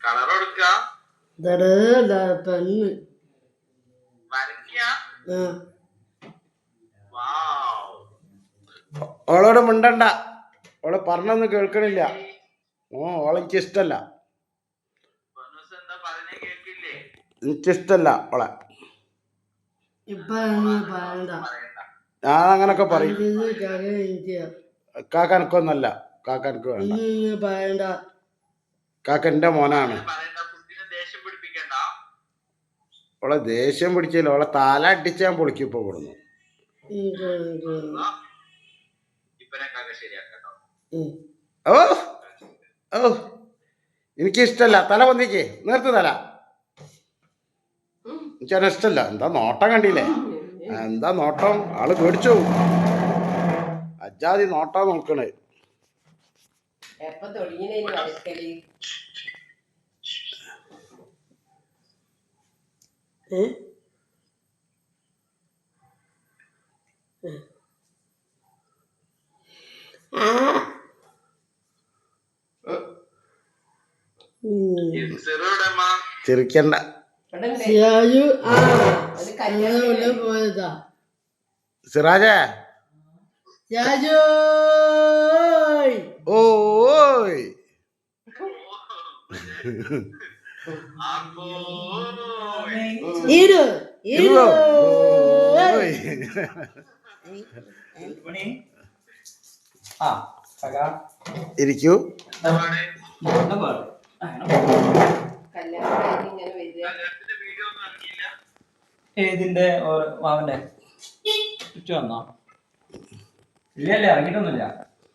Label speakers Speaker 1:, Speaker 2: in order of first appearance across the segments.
Speaker 1: പെണ്ണ് ഓളോട് മിണ്ടണ്ട, ഓളെ പറഞ്ഞൊന്നും കേൾക്കണില്ല. ഓളെനിക്ക് ഇഷ്ടല്ല, എനിക്കിഷ്ടല്ല ഓളെ. ഞാൻ അങ്ങനൊക്കെ പറയും. കാക്ക എനിക്കൊന്നല്ല, കാക്ക എനിക്ക് വേണ്ട. കാക്ക എന്റെ മോനാണ്. ഓളെ ദേഷ്യം പിടിച്ചില്ല, ഓളെ തല അടിച്ച് ഞാൻ പൊളിക്കും ഇപ്പൊ കൊടുന്നു. ഓ ഓ എനിക്കിഷ്ടല്ല. തല പൊന്തിക്ക്, നേർത്ത് തല. എനിക്കതിനെ ഇഷ്ടല്ല. എന്താ നോട്ടം കണ്ടില്ലേ? എന്താ നോട്ടം, ആള് പേടിച്ചു. അജാതി നോട്ടാ നോക്കണേ. ചിരിക്കണ്ട. സിറാജേ, ഓയ് ഇരിക്കൂ.
Speaker 2: ഏതിന്റെ മാവന്റെ ചുറ്റു വന്നോ? ഇല്ലല്ലേ, ഇറങ്ങിട്ടൊന്നുമില്ല.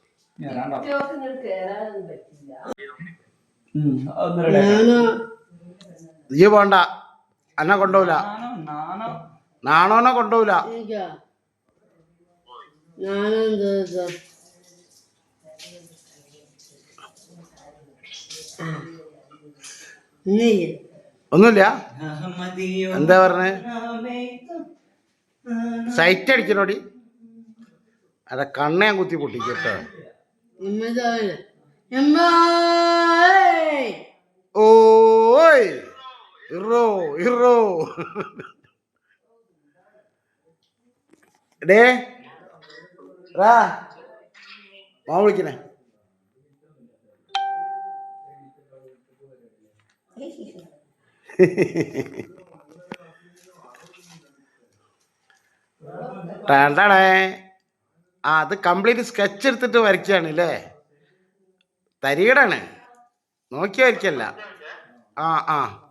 Speaker 1: നീ പോണ്ട, എന്നെ കൊണ്ടുപോല. നാണോനെ കൊണ്ടുപോല. ഒന്നുമില്ല. എന്താ പറഞ്ഞേ? സൈറ്റ് അടിക്കണോടി. അതെ, കണ്ണ ഞാൻ കുത്തി പൊട്ടിക്കട്ടോ. ഓയ് ഇറോ ഇറോ ഡേ റാ മാ വിളിക്കണേ. അത് കംപ്ലീറ്റ് സ്കെച്ച് എടുത്തിട്ട് വരയ്ക്കുകയാണ് അല്ലേ? തരികടാണ്, നോക്കി വരയ്ക്കല്ല. ആ